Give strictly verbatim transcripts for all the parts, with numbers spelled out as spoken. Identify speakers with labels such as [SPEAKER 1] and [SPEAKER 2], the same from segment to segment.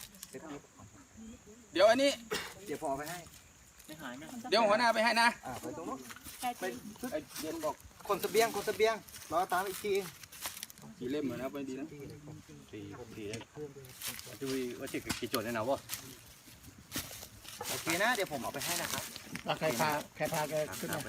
[SPEAKER 1] เดี๋ยวอันนี้
[SPEAKER 2] เดี๋ยวพอไปให้
[SPEAKER 1] เดี๋ยวหัวหน้าไปให้นะ
[SPEAKER 2] อ่าไปตรงนู้น
[SPEAKER 1] ไปไอเย็นบอก
[SPEAKER 2] คนเสบียงคนเสบียงรอตามอีกที
[SPEAKER 1] กี่เล่มเหมือนนะไปดีนะ
[SPEAKER 3] สี่สี่ดูว่าจะกี่โจทย์ในหนาวะ
[SPEAKER 2] โอเคนะเดี๋ยวผมเอาไปให้นะครับ
[SPEAKER 4] ใครพาใครพาแกขึ้นมา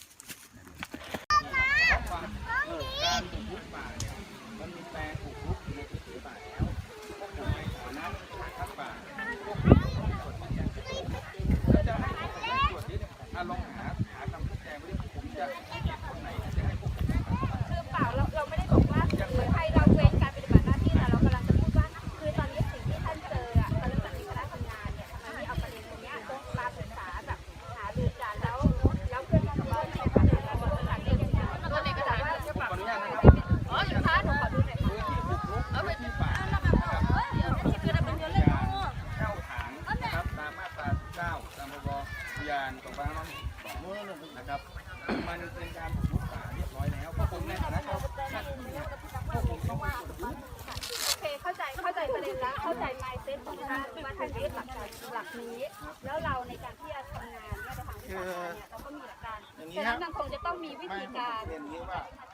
[SPEAKER 1] เออการปลูกรุกป่าเนี่ยมันมีแปลงปลูกรุกในพื้นที่ป่าแล้วพวกผมไปขอน้ำทักป่าพวกผมตรวจมันอย่างแล้วจะให้ผมไปตรวจนี้เนี่ยถ้าลองหาหาคำพูดแจงไปดิผมจะคนไหนจะให้พวกผม
[SPEAKER 5] คือเปล่าเราเราไม่ได้บอกว่าให้เราเว้นการปฏิบัติหน้าที่แต่เรากำลังจะพูดว่าคือตอนนี้สิ่งที่ท่านเจออ่ะตอนนั้นมีคณะทำงานเนี่ยทำไมไม่เอาประเด็นตรงนี้ต้องมาปรึกษาแบบหารือกันแล้วแล้วเพื่อนที่ของเราเนี่ยค่ะเราบอกว่าเรื่องนี้ตัวเอกสารว่า
[SPEAKER 1] ขออนุญาตนะครับ
[SPEAKER 5] อ๋ออยู่คะหนูขอดูหน่อยค่ะ
[SPEAKER 1] พื้นที่ปลูกรุกพื้นที่ป่า
[SPEAKER 5] เดี๋ยวนี่คือเป็นเรื่องเล่น
[SPEAKER 1] เข้าฐานนะครับตามมาตราเก้าตามพรบอุทยานของบ้านน้องสองนะครับมันเป็นการปลูกรุกป่าเรียบร้อยแล้วพวกผมในฐานะเจ้าหน้าที่เนี่ยพวกผมต้องไปตรวจยึด
[SPEAKER 5] โอเคเข้าใจเข้าใจประเด็นแล้วเข้าใจไมซ์เซ็ตของท่านว่าท่านยึดหลักการหลักนี้ แล้วเราในการที่จะทำงานเนี่ยในทางวิชาการเนี่ยเราก็มีหลักการฉะนั้นมันคงจะต้องมีวิธีการ
[SPEAKER 2] เรียนนี้ว่า
[SPEAKER 5] ท